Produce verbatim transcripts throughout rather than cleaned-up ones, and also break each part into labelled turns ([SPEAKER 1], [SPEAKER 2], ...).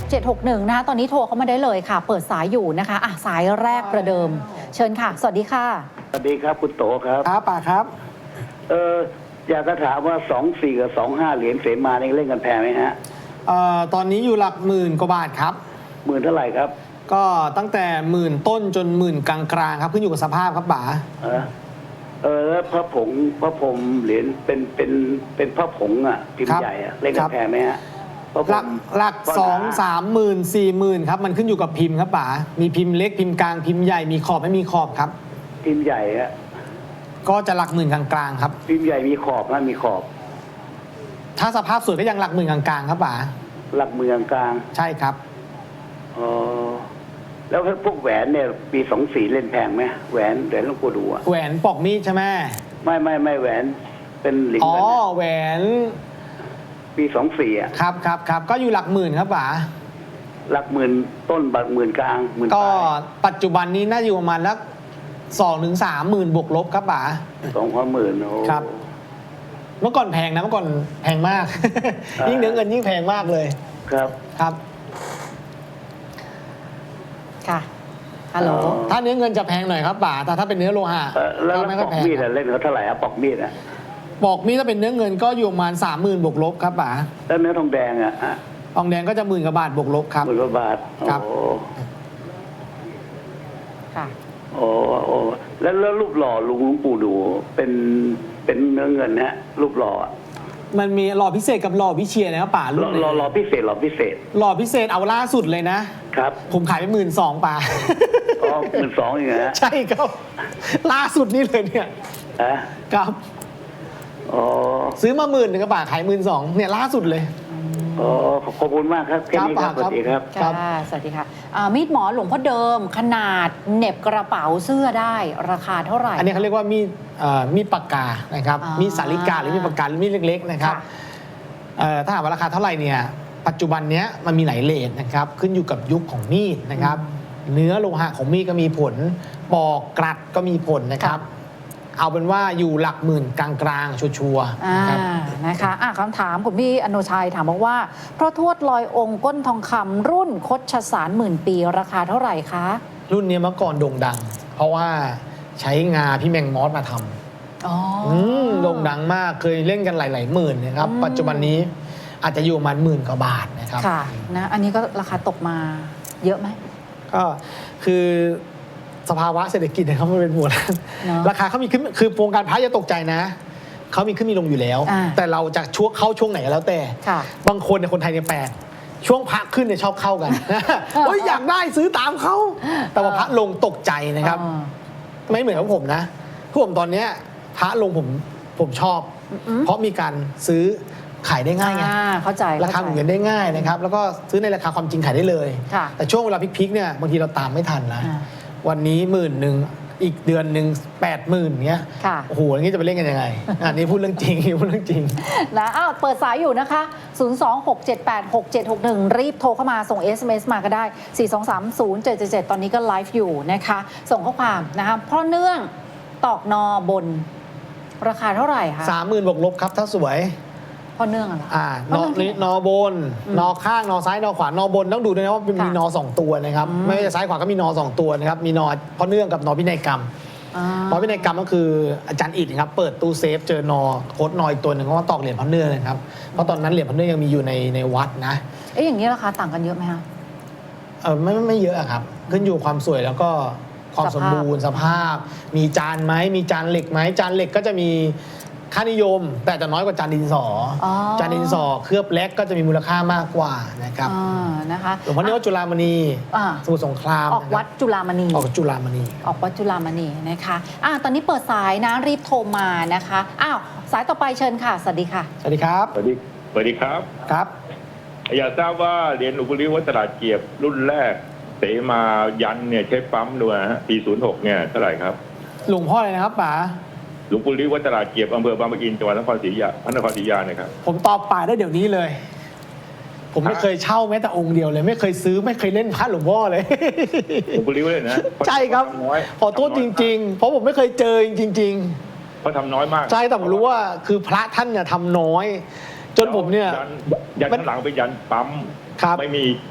[SPEAKER 1] เจ็ดหกหนึ่งนะคะตอนนี้โทรเข้ามาได้เลยค่ะเปิดสายอยู่นะคะอ่ะสายแรกประเดิมเชิญค่ะสวัสดีค่ะ
[SPEAKER 2] สวัสดีครับคุณโตครับ
[SPEAKER 3] ครับป่าครับ
[SPEAKER 2] เอออยากจะถามว่าสองสี่กับสองห้าเหรียญเสมานี่เล่นกันแพงไหมฮะ
[SPEAKER 3] เอ่อตอนนี้อยู่หลักหมื่นกว่าบาทครับ
[SPEAKER 2] หมื่นเท่าไหร่ครับ
[SPEAKER 3] ก็ตั้งแต่หมื่นต้นจนหมื่นกลางๆครับขึ้นอยู่กับสภาพครับป๋า
[SPEAKER 2] เออเออแล้วพระผงพระพรหมเหรียญเป็นเป็นเป็นพระผงอ่ะพิมพ์ใหญ่อ่ะเล่นกันแพงไหมฮะ
[SPEAKER 3] หลักหลักสองสามหมื่นสี่หมื่นครับมันขึ้นอยู่กับพิมพ์ครับป๋ามีพิมพ์เล็กพิมพ์กลางพิมพ์ใหญ่มีขอบไม่มีขอบครับ
[SPEAKER 2] พิมพ์ใหญ่อะ
[SPEAKER 3] ก็จะหลักหมื่นกลางๆครับ
[SPEAKER 2] พิมพ์ใหญ่มีขอบนะมีขอบ
[SPEAKER 3] ถ้าสภาพสวยก็ยังหลักหมื่นกลางๆครับป๋า
[SPEAKER 2] หลักหมื่นกลาง
[SPEAKER 3] ใช่ครับ
[SPEAKER 2] อ๋อแล้วพวกแหวนเนี่ยปีสองสี่เล่นแพงไหมแหวนแหวนหลวงปู่ดูอะ
[SPEAKER 3] แหวนปอกมีดใช่ไหม
[SPEAKER 2] ไม่ไม่ไม่แหวนเป็นหลิง
[SPEAKER 3] อ๋อแหวน
[SPEAKER 2] ปีสองสี่อ่ะ
[SPEAKER 3] ครับครับครับก็อยู่หลักหมื่นครับป๋า
[SPEAKER 2] หลักหมื่นต้นบักหมื่นกลางหมื่น
[SPEAKER 3] ก็ปัจจุบันนี้น่าอยู่ประมาณสักสองถึงสามหมื่นบวกลบครับป๋า
[SPEAKER 2] สองพันหมื่นโอ้
[SPEAKER 3] ครับเมื่อก่อนแพงนะเมื่อก่อนแพงมากยิ่งเนื้อเงินยิ่งแพงมากเลย
[SPEAKER 2] ครับ
[SPEAKER 3] ครับ
[SPEAKER 1] ค่ะฮัลโหล
[SPEAKER 3] ถ้าเนื้อเงินจะแพงหน่อยครับป๋าแต่ถ้าเป็นเนื้อโลหะ
[SPEAKER 2] แล้วปอกมีดเล่นเขาเท่าไหร่อะปอกมีดอะ
[SPEAKER 3] ปอกมีดถ้าเป็นเนื้อเงินก็อยู่ประมาณสามหมื่นบวกลบครับป๋า
[SPEAKER 2] แล้วเนื้อทองแดงอะ
[SPEAKER 3] ทองแดงก็จะหมื่นกว่าบาทบวกลบครับ
[SPEAKER 2] หมื่นกว่าบาท
[SPEAKER 3] ครับ
[SPEAKER 1] ค่ะ
[SPEAKER 2] โอ้โอ้แล้วแล้วรูปหล่อลุงหลวงปู่ดูเป็นเป็นเนื้อเงินฮะรูปหล่อ
[SPEAKER 3] มันมีหล่อพิเศษกับหล่อพิเชียนะครับป๋า
[SPEAKER 2] หล่อหล่อพิเศษหล่อพิเศษ
[SPEAKER 3] หล่อพิเศษเอาล่าสุดเลยนะครับผมขายไปหมื่นสองป๋า
[SPEAKER 2] อ๋อหมื่นสองอย่างเงี้ย
[SPEAKER 3] ใช่ครับล่าสุดนี่เลยเนี่ย
[SPEAKER 2] อะ
[SPEAKER 3] ครับ
[SPEAKER 2] อ๋อ
[SPEAKER 3] ซื้อมาหมื่นหนึ่งกระบาทขายหมื่นสองเนี่ยล่าสุดเลย
[SPEAKER 2] อ๋อขอบคุณมากครับแค่นี้ครับสวัสดีครับ
[SPEAKER 1] ค่ะสวัสดีค่ะมีดหมอหลวงพ่อเดิมขนาดเหน็บกระเป๋าเสื้อได้ราคาเท่าไหร่
[SPEAKER 3] อันนี้เขาเรียกว่ามีดมีดปากกานะครับมีดสาลิกาหรือมีดปากกาหรือมีดเล็กๆนะครับถ้าถามว่าราคาเท่าไหร่เนี่ยปัจจุบันนี้มันมีหลายเลทนะครับขึ้นอยู่กับยุคของมีดนะครับเนื้อโลหะของมีดก็มีผลปอกกรัดก็มีผลนะครับเอาเป็นว่าอยู่หลักหมื่นกลางๆชัวร์
[SPEAKER 1] ๆนะคะะคำถามคุณพี่อนุชัยถามบอกว่าพระทวดลอยองค์ก้นทองคำรุ่นคชสารหมื่นปีราคาเท่าไหร่คะ
[SPEAKER 3] รุ่นนี้เมื่อก่อนโด่งดังเพราะว่าใช้งาพี่แมงมอสมาทำอ๋อโด่งดังมากเคยเล่นกันหลายๆหมื่นนะครับปัจจุบันนี้อาจจะอยู่ประมาณหมื่นกว่าบาทนะครับ
[SPEAKER 1] ค่ะนะอันนี้ก็ราคาตกมาเยอะไหม
[SPEAKER 3] ก็คือสภาวะเศรษฐกิจเนี่ยเขาไม่เป็นหมวดราคาเขามีขึ้นคือวงการพระอย่าตกใจนะเขามีขึ้นมีลงอยู่แล้วแต่เราจะช่วงเข้าช่วงไหนก็แล้วแต่บางคนในคนไทยเนี่ยแปลกช่วงพระขึ้นเนี่ยชอบเข้ากันเฮ้ยอยากได้ซื้อตามเขาแต่ว่าพระลงตกใจนะครับไม่เหมือนกับผมนะผมตอนเนี้ยพระลงผมผมชอบเพราะมีการซื้อขายได้ง่ายไง
[SPEAKER 1] เข้าใจ
[SPEAKER 3] ราคาหมุนเงินได้ง่ายนะครับแล้วก็ซื้อในราคาความจริงขายได้เลยแต่ช่วงเวลาพลิกๆเนี่ยบางทีเราตามไม่ทันนะวันนี้หมื่นหนึ่งอีกเดือนหนึ่งแปดหมื่นเงี้ยโอ้โหอย่างนี้จะไปเล่นกันยังไงอันนี้พูดเรื่องจริงพูดเรื่องจริง
[SPEAKER 1] นะอ้าวเปิดสายอยู่นะคะศูนย์ สอง หก เจ็ด แปด หก เจ็ด หก หนึ่งรีบโทรเข้ามาส่ง เอส เอ็ม เอส มาก็ได้สี่ สอง สาม ศูนย์ เจ็ด เจ็ด เจ็ดตอนนี้ก็ไลฟ์อยู่นะคะส่งข้อความนะคะเพราะเนื่องตอกนอบนราคาเท่าไหร่คะ
[SPEAKER 3] สามหมื่นบวกลบครับถ้าสวย
[SPEAKER 1] พอเนื่องอะไร
[SPEAKER 3] อ่านอนี้นอบนนอข้างนอซ้ายนอขวานอบนต้องดูด้วยนะว่ามีนอสองตัวนะครับไม่ว่าจะซ้ายขวาก็มีนอสองตัวนะครับมีนอพอเนื่องกับนอพินัยกรรมนอพินัยกรรมก็คืออาจารย์อิฐครับเปิดตู้เซฟเจอนอโคตรนออีกตัวหนึ่งเขาตอกเหรียญพอเนื่องนะครับเพราะตอนนั้นเหรียญพอเนื่องยังมีอยู่ในในวัดนะ
[SPEAKER 1] เอ๊ะอย่างนี้ราคาต่างกันเยอะไหมคะ
[SPEAKER 3] เออไม่ไม่เยอะครับขึ้นอยู่ความสวยแล้วก็ความสมบูรณ์สภาพมีจานไหมมีจานเหล็กไหมจานเหล็กก็จะมีค่านิยมแต่จะน้อยกว่าจานดินสอจานดินสอเคลือบแลกก็จะมีมูลค่ามากกว่านะครับ
[SPEAKER 1] นะคะ
[SPEAKER 3] หลวงพ่อเนื้อจุฬามณีสมุทรสงคราม
[SPEAKER 1] ออกวัดจุฬามณี
[SPEAKER 3] ออกจุฬามณี
[SPEAKER 1] ออกวัดจุฬามณีนะคะอ่ะตอนนี้เปิดสายนะรีบโทรมานะคะอ้าวสายต่อไปเชิญค่ะสวัสดีค่ะ
[SPEAKER 3] สวัสดีครับ
[SPEAKER 4] สวัสดีสวัสดีครับ
[SPEAKER 3] ครับ
[SPEAKER 4] อยากทราบว่าเหรียญหลวงปู่ลิ้ววัดตลาดเกียบรุ่นแรกเสมายันเนี่ยใช้ปั๊มด้วยฮะปีศูนย์หกเนี่ยเท่าไหร่ครับ
[SPEAKER 3] หลวงพ่ออะไรนะครับป๋า
[SPEAKER 4] หลวงปู่ลิ้ววัดตลาดเกียบอำเภอบางปะอินจังหวัดนครศรีอยุธยาพระนครศรีอยุธยานะครับ
[SPEAKER 3] ผมตอบป่าได้เดี๋ยวนี้เลยผมไม่เคยเช่าแม้แต่องค์เดียวเลยไม่เคยซื้อไม่เคยเล่นพระหลวงพ่อเลย
[SPEAKER 4] หลวงปู่ลิ้วเลยนะ
[SPEAKER 3] ใช่ครับขอโทษจริงๆเพราะผมไม่เคยเจอจริง
[SPEAKER 4] ๆเพราะทำน้อยมาก
[SPEAKER 3] ใช่แต่ผมรู้ว่าคือพระท่านเนี่ยทำน้อยจนผมเนี่ย
[SPEAKER 4] ยันข้างหลังเป็นยันปั๊มไม่มี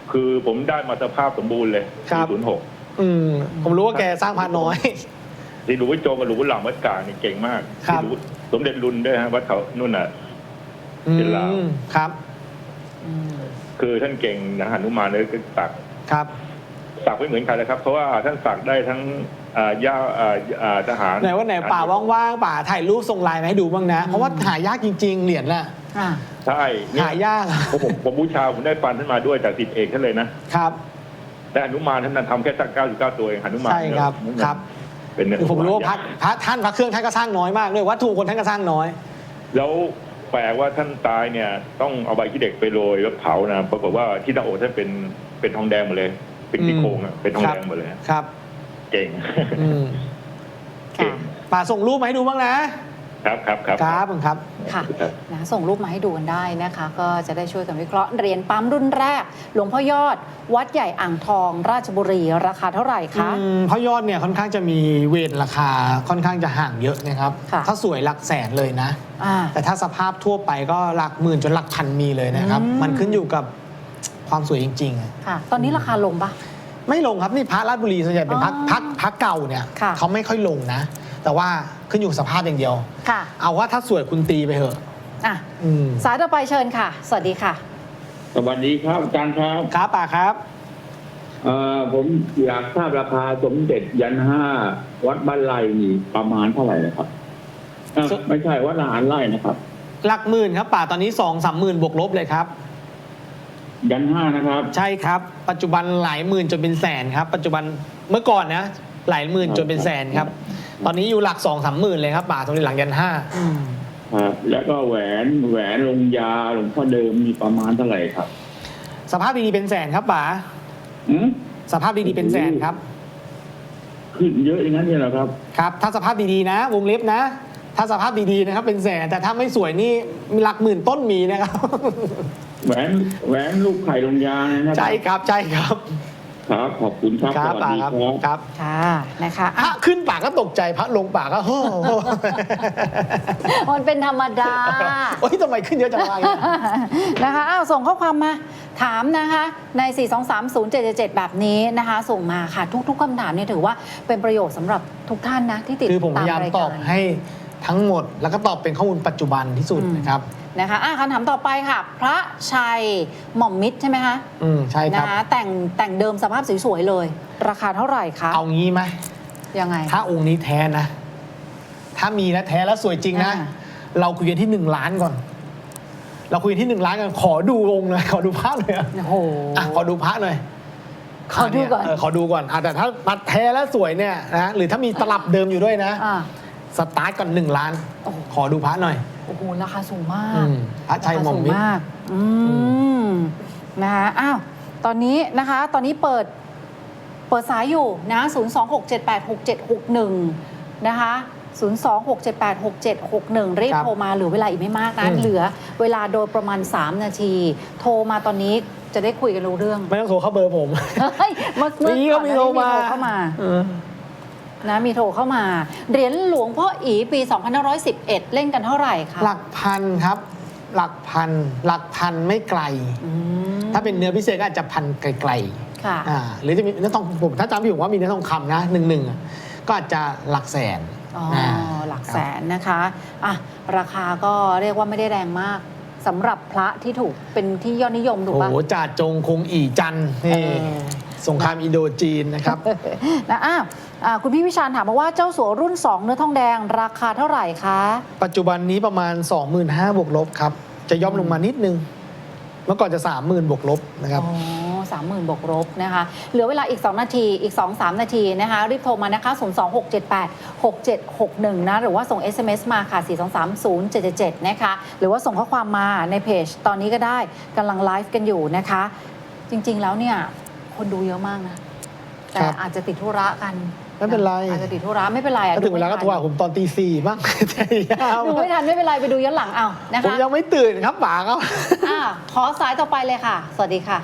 [SPEAKER 4] คือผมได้มาสภาพสมบูรณ์เลย
[SPEAKER 3] ครั
[SPEAKER 4] ปี
[SPEAKER 3] บ
[SPEAKER 4] ศูนย์หก
[SPEAKER 3] อืมผมรู้ว่าแกสร้างพระน้อย
[SPEAKER 4] ที่หลวงพ่อโจกับหลวงพ่อหลังวัดกลางนี่เก่งมาก
[SPEAKER 3] ครับ
[SPEAKER 4] ที่หลวงสมเด็จรุนด้วยฮะวัดเขานู่นน่ะ
[SPEAKER 3] อื
[SPEAKER 4] เป็นลาว
[SPEAKER 3] มครับ
[SPEAKER 1] อืม
[SPEAKER 4] คือท่านเก่งนะหนุมานเลยก็สัก
[SPEAKER 3] ครับ
[SPEAKER 4] สักไม่เหมือนใครเลยครับ เพราะว่าท่านสักได้ทั้งอ่าย่าอ่าอ่าทหาร
[SPEAKER 3] ไหนว่าไหนป่าว่างๆป่าถ่ายรูปส่งไลน์มาให้ดูบ้างนะ เพราะว่าหายากจริง ๆ เหรียญน่ะ
[SPEAKER 1] อ่า
[SPEAKER 4] ใช่เนี่ย
[SPEAKER 3] หายาก
[SPEAKER 4] ผมผมผมบูชาผมได้ปันท่านมาด้วยจากศิษย์เอกท่านเลยนะครับ แต่หนุมานท่านนั้นทำแค่สักเก้าสิบเก้าตัวเองหนุมาน
[SPEAKER 3] ใช่ครับ
[SPEAKER 4] เนี่ย
[SPEAKER 3] ครับ
[SPEAKER 4] เป็นเนื้อ
[SPEAKER 3] คือผมรู้ว่าพระพระท่านพระเครื่องท่านก็สร้างน้อยมากด้วยวัตถุคนท่านก็สร้างน้อย
[SPEAKER 4] แล้วแปลว่าท่านตายเนี่ยต้องเอาใบขี้เด็กไปโรยแล้วเผานะปรากฏว่าที่หน้าอกท่านเป็นเป็นทองแดงหมดเลย เป็นซี่โครงอะเป็นทองแดงหมดเลย
[SPEAKER 3] ครับ
[SPEAKER 4] เก่ง
[SPEAKER 3] อืม
[SPEAKER 4] เก่ง
[SPEAKER 3] ป่าส่งรูปมาให้ดูบ้างนะ
[SPEAKER 4] ครับครับครับ
[SPEAKER 3] ครับผมครับ
[SPEAKER 1] ค่ะนะส่งรูปมาให้ดูกันได้นะคะ ก็จะได้ช่วยกันวิเคราะห์เหรียญปั๊มรุ่นแรก หลวงพ่อยอด วัดใหญ่อ่างทอง ราชบุรี ราคาเท่าไหร่คะ
[SPEAKER 3] อืมเพราะยอดเนี่ยค่อนข้างจะมีเวทราคาค่อนข้างจะห่างเยอะนะครับ
[SPEAKER 1] ค่ะ
[SPEAKER 3] ถ้าสวยหลักแสนเลยนะ
[SPEAKER 1] อ่า
[SPEAKER 3] แต่ถ้าสภาพทั่วไปก็หลักหมื่นจนหลักพันมีเลยนะครับ
[SPEAKER 1] อืม
[SPEAKER 3] มันขึ้นอยู่กับความสวยจริงๆอะ
[SPEAKER 1] ค่ะ ตอนนี้ราคาลงปะ
[SPEAKER 3] ไม่ลงครับนี่พระราชบุรีส่วนใหญ่เป็นพระ
[SPEAKER 1] อ๋อ
[SPEAKER 3] พระพระเก่าเนี่ย
[SPEAKER 1] ค่ะ
[SPEAKER 3] เขาไม่ค่อยลงนะ แต่ว่าขึ้นอยู่สภาพอย่างเดียว
[SPEAKER 1] ค่ะ
[SPEAKER 3] เอาว่าถ้าสวยคุณตีไปเถอะ
[SPEAKER 1] อ่ะ
[SPEAKER 3] อืม
[SPEAKER 1] สายต่อไปเชิญค่ะ สวัสดีค่ะ
[SPEAKER 5] สวัสดีครับอาจารย์ครับ
[SPEAKER 3] ครับป่าครับ
[SPEAKER 5] เอ่อผมอยากทราบราคาสมเด็จยันห้าวัดบ้านไร่นี่ประมาณเท่าไหร่นะครับเอ้า
[SPEAKER 3] ส
[SPEAKER 5] ไม่ใช่วัดทหารไร่นะครับ
[SPEAKER 3] หลักหมื่นครับป่าตอนนี้สองสามหมื่นบวกลบเลยครับ
[SPEAKER 5] ยันห้านะครับ
[SPEAKER 3] ใช่ครับ ปัจจุบันหลายหมื่นจนเป็นแสนครับ ปัจจุบันเมื่อก่อนนะหลายหมื่นจนเป็นแสนครับ ตอนนี้อยู่หลักสองสามหมื่นเลยครับป่าตรงนี้หลังยันห้า
[SPEAKER 1] อืม
[SPEAKER 5] ครับ แล้วก็แหวนแหวนลงยาหลวงพ่อเดิมมีประมาณเท่าไหร่ครับ
[SPEAKER 3] สภาพดีๆเป็นแสนครับป่า
[SPEAKER 5] อืม
[SPEAKER 3] สภาพดีๆเป็นแสนครับ
[SPEAKER 5] ขึ้นเยอะอย่างนั้นเลยเหรอครับ
[SPEAKER 3] ครับ ถ้าสภาพดีๆนะ วงเล็บนะ ถ้าสภาพดีๆนะครับเป็นแสนแต่ถ้าไม่สวยนี่หลักหมื่นต้นมีนะครับ
[SPEAKER 5] แหวนแหวนลูกไข่ลงยานะครับ
[SPEAKER 3] ใช่ครับใช่ครับ
[SPEAKER 5] ครับขอบคุณครับ
[SPEAKER 3] ค
[SPEAKER 5] ส
[SPEAKER 3] รับ
[SPEAKER 5] วัส
[SPEAKER 3] ป่า
[SPEAKER 5] ดี
[SPEAKER 3] ครับ
[SPEAKER 5] ครับ
[SPEAKER 3] ครับ
[SPEAKER 1] ค่ะ นะคะ
[SPEAKER 3] พระ
[SPEAKER 1] อ่ะ
[SPEAKER 3] ขึ้นป่าก็ตกใจพระลงป่าก็โอ้โห
[SPEAKER 1] มันเป็นธรรมดา
[SPEAKER 3] โอ้ยทำไมขึ้นเยอะจังวะเนี่ย
[SPEAKER 1] นะคะอ้าวส่งข้อความมาถามนะคะใน สี่ สอง สาม ศูนย์ เจ็ด เจ็ด เจ็ด แบบนี้นะคะ ส่งมาค่ะทุกๆคำถามเนี่ยถือว่าเป็นประโยชน์สำหรับทุกท่านนะที่ติด
[SPEAKER 3] คือผมพ
[SPEAKER 1] ตาม
[SPEAKER 3] ยายาม
[SPEAKER 1] ราย
[SPEAKER 3] ต
[SPEAKER 1] กา
[SPEAKER 3] อบ
[SPEAKER 1] ร
[SPEAKER 3] ให้ทั้งหมด แล้วก็ตอบเป็นข้อมูลปัจจุบันที่สุด
[SPEAKER 1] อืม
[SPEAKER 3] นะครับ
[SPEAKER 1] นะคะอ่ะคำถามต่อไปค่ะ พระชัยหม่อมมิตรใช่ไหมคะ
[SPEAKER 3] อืมใช่ค
[SPEAKER 1] นะ
[SPEAKER 3] รับ
[SPEAKER 1] คะแต่งแต่งเดิมสภาพสวยๆเลย ราคาเท่าไหร่คะ
[SPEAKER 3] เอางี้ไหม
[SPEAKER 1] ยังไง
[SPEAKER 3] ถ้าองค์นี้แท้นะ ถ้ามีนะแท้แล้วสวยจริงนะ
[SPEAKER 1] อ่า
[SPEAKER 3] เราคุยกันที่หนึ่งล้านก่อน เราคุยกันที่หนึ่งล้านกันขอดูองค์หน่อยขอดูพระหน่อยอะ
[SPEAKER 1] โอ้โห
[SPEAKER 3] อ่ะขอดูพระหน่อย
[SPEAKER 1] ขอดูก่อน
[SPEAKER 3] เออขอดูก่อนอ่ะแต่ถ้ามาแท้แล้วสวยเนี่ยนะหรือถ้ามีตลับเดิมอยู่ด้วยนะ
[SPEAKER 1] อ่า
[SPEAKER 3] สตาร์ทก่อนหนึ่งล้าน
[SPEAKER 1] โอ้โห
[SPEAKER 3] ขอดูพระหน่อย
[SPEAKER 1] โอ้โหราคาสูงมา
[SPEAKER 3] อื
[SPEAKER 1] ก
[SPEAKER 3] มพระชัยหม่อมมิตร
[SPEAKER 1] ราคาสูงากอืมนะคะอ้าวตอนนี้นะคะ ตอนนี้เปิดเปิดสายอยู่นะ ศูนย์ สอง หก เจ็ด แปด หก เจ็ด หก หนึ่ง นะคะ ศูนย์ สอง หก เจ็ด แปด หก เจ็ด หก หนึ่ง รีบ
[SPEAKER 3] ครับ
[SPEAKER 1] โทรมาเหลือเวลาอีกไม่มากนะ
[SPEAKER 3] อืม
[SPEAKER 1] เหลือเวลาโดยประมาณ สาม นาที โทรมาตอนนี้จะได้คุยกันรู้เรื่อง
[SPEAKER 3] ไม่ต้องโทรเข้าเบอร์ผม
[SPEAKER 1] เฮ้ยเมื่อเมื่อ
[SPEAKER 3] มีก็
[SPEAKER 1] ก่อนห
[SPEAKER 3] มี
[SPEAKER 1] น้า
[SPEAKER 3] โทร
[SPEAKER 1] นี้
[SPEAKER 3] มา
[SPEAKER 1] โทรเข้ามา
[SPEAKER 3] เออ
[SPEAKER 1] นะมีโทรเข้ามา เหรียญหลวงพ่ออีปี สองพันห้าร้อยสิบเอ็ด เล่นกันเท่าไหร่คะ
[SPEAKER 3] หลักพันครับ หลักพัน หลักพันไม่ไกล
[SPEAKER 1] อืม
[SPEAKER 3] ถ้าเป็นเนื้อพิเศษก็อาจจะพันไกล
[SPEAKER 1] ค่ะ
[SPEAKER 3] ๆอ่าหรือจะมีเนื้อทองผมถ้าจำไม่ผิดผมว่ามีเนื้อทองคำนะหนึ่งหนึ่งก็อาจจะหลักแสน
[SPEAKER 1] อ๋ออา หลักแสนนะคะอ่ะราคาก็เรียกว่าไม่ได้แรงมากสำหรับพระที่ถูกเป็นที่ยอดนิยมถูก
[SPEAKER 3] โอ้
[SPEAKER 1] ปะ
[SPEAKER 3] โหจ่าจงคงอีจันทร์นี่
[SPEAKER 1] เออ
[SPEAKER 3] สงครามอินโดจีนนะครับ
[SPEAKER 1] นะอ้าวอ่าคุณพี่วิชาญถามมาว่าเจ้าสัวรุ่น สอง เนื้อทองแดงราคาเท่าไหร่คะ
[SPEAKER 3] ปัจจุบันนี้ประมาณ สองหมื่นห้าพัน บวกลบครับ จะย่อมลงมานิดนึง เมื่อก่อนจะ สามหมื่น บวกลบนะครับ
[SPEAKER 1] อ๋อสามหมื่นบวกลบนะคะ เหลือเวลาอีก สอง นาทีอีก สองสาม นาทีนะคะ รีบโทรมานะคะ ศูนย์ สอง หก เจ็ด แปด หก เจ็ด หก หนึ่ง นะ หรือว่าส่ง เอส เอ็ม เอส มาค่ะ สี่ สอง สาม ศูนย์ เจ็ด เจ็ด เจ็ด นะคะ หรือว่าส่งข้อความมาในเพจตอนนี้ก็ได้กำลังไลฟ์กันอยู่นะคะ จริง ๆ แล้วเนี่ย คนดูเยอะมากนะ แต่
[SPEAKER 3] ครับ
[SPEAKER 1] อาจจะติดธุระกัน
[SPEAKER 3] ไม่เป็นไร
[SPEAKER 1] อาจจะติดธุระไม่เป็นไรอะ
[SPEAKER 3] ถ้าถึงเวลาก็โทรหาผมตอนตีสี่บ้าง ใจยาว
[SPEAKER 1] ดูไม่ทันไม่เป็นไรไปดูย้อนหลังเอานะ
[SPEAKER 3] ผม
[SPEAKER 1] คะ
[SPEAKER 3] ยังไม่ตื่นครับป๋าครับ
[SPEAKER 1] อ่าขอสายต่อไปเลยค่ะ สวัสดีค่ะ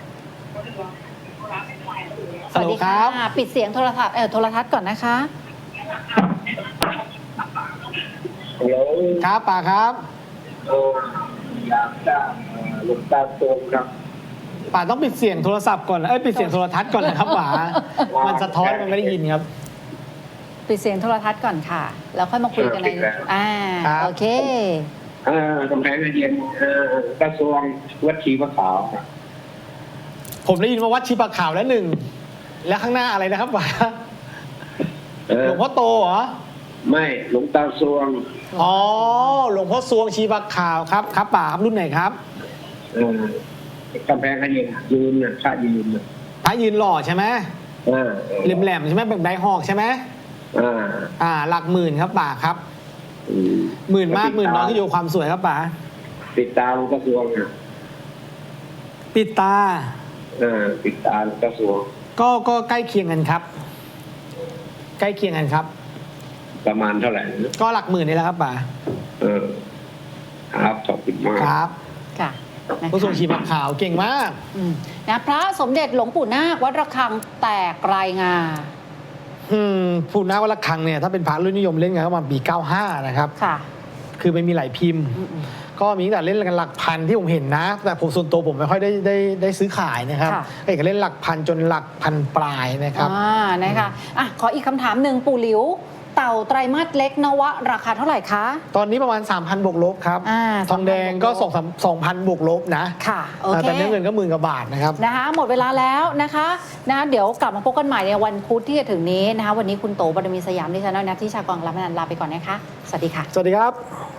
[SPEAKER 1] สวัสดีค่ะ
[SPEAKER 3] ฮัลโหลครับ
[SPEAKER 1] ปิดเสียงโทรทัศน์เออโทรทัศน์ก่อนนะคะ
[SPEAKER 5] ฮัลโหล
[SPEAKER 3] ครับป๋าครับ
[SPEAKER 5] โอ้อยากจะหลวงตาโตครับ
[SPEAKER 3] ป๋าต้องปิดเสียงโทรศัพท์ก่อนเอ้ยปิดเสียงโทรทัศน์ก่อนนะครับป๋ามันสะท้อนมันไม่ได้ยินครับ
[SPEAKER 1] ปิดเสียงโทรทัศน์ก่อนค่ะ แล้วค่อยมาคุยกันในอ่า
[SPEAKER 3] ครับ
[SPEAKER 1] โอเค
[SPEAKER 6] เอ่อกำแพงเพชรเย็นเอ่อกระทรวงวัดชีพระขาว
[SPEAKER 3] ผมได้ยินว่าวัดชีปะขาวแล้วหนึ่งแล้วข้างหน้าอะไรนะครับป๋า
[SPEAKER 6] เอ
[SPEAKER 3] ห
[SPEAKER 6] อ
[SPEAKER 3] ลวงพ่อโตเหรอ
[SPEAKER 6] ไม่หลวงตาซวง
[SPEAKER 3] อ๋อหลวงพ่อซวงชีปะขาวครับครับป๋าครับรุ่นไหนครับ
[SPEAKER 6] เอ่อกำแพงเพชรเย็นยืนน่ะค่ายืนน่ะ
[SPEAKER 3] พระยืนหล่อใช่ไหม
[SPEAKER 6] อ่า
[SPEAKER 3] แหลมๆใช่ไหมแบบไดหอกใช่ไหม
[SPEAKER 6] อ่า
[SPEAKER 3] อ่าหลักหมื่นครับป๋าครับ
[SPEAKER 6] อืม
[SPEAKER 3] หมื่นมากหมื่นน้อยก็อยู่ความสวยครับป๋า
[SPEAKER 6] ปิดตาหลวงตาซวงน่ะ
[SPEAKER 3] ปิดตา
[SPEAKER 6] เออปิดตาหลวงตาซวง
[SPEAKER 3] ก็ก็ใกล้เคียงกันครับ ใกล้เคียงกันครับ
[SPEAKER 6] ประมาณเท่าไหร่นะ
[SPEAKER 3] ก็หลักหมื่นนี่แหละครับป๋า
[SPEAKER 6] เออครับขอบคุณมาก
[SPEAKER 3] ครับ
[SPEAKER 1] ค่ะนะ
[SPEAKER 3] ผู้ทรง
[SPEAKER 1] คะ
[SPEAKER 3] ชีพขาวเก่งมาก
[SPEAKER 1] อืมนะพระสมเด็จหลวงปู่นาควัดระฆังแตกรายงา
[SPEAKER 3] อืมผู้นาวัดระฆังเนี่ยถ้าเป็นพระรุ่นนิยมเล่นกันก็ประมาณปีเก้าห้านะครับ
[SPEAKER 1] ค่ะ
[SPEAKER 3] คือไม่มีหลายพิมพ์
[SPEAKER 1] อืม
[SPEAKER 3] ก็มีตั้งแต่เล่นกันหลักพันที่ผมเห็นนะ แต่ผมส่วนตัวผมไม่ค่อยได้ได้ได้ซื้อขายนะครับ
[SPEAKER 1] ค่ะ
[SPEAKER 3] เอกเล่นหลักพันจนหลักพันปลายนะครับ
[SPEAKER 1] อ่านะคะอ่ะขออีกคำถามหนึ่งปู่หลิว เต่าไตรมาสเล็กนวะราคาเท่าไหร่คะ
[SPEAKER 3] ตอนนี้ประมาณ สามพัน บวกลบครับ
[SPEAKER 1] อ่า
[SPEAKER 3] ทองแดงก็
[SPEAKER 1] สามพัน
[SPEAKER 3] สองพันบวกลบนะ
[SPEAKER 1] ค่ะโอเค
[SPEAKER 3] แต่เนื้อเงินก็หมื่นกว่าบาทนะครับ
[SPEAKER 1] นะคะหมดเวลาแล้วนะคะนะเดี๋ยวกลับมาพบกันใหม่ในวันพุธที่จะถึงนี้นะคะวันนี้คุณโตบารมีสยามดิฉันนัทธิชากรรับนันท์ลาไปก่อนนะคะ สวัสดีค่ะ
[SPEAKER 3] สวัสดีครับ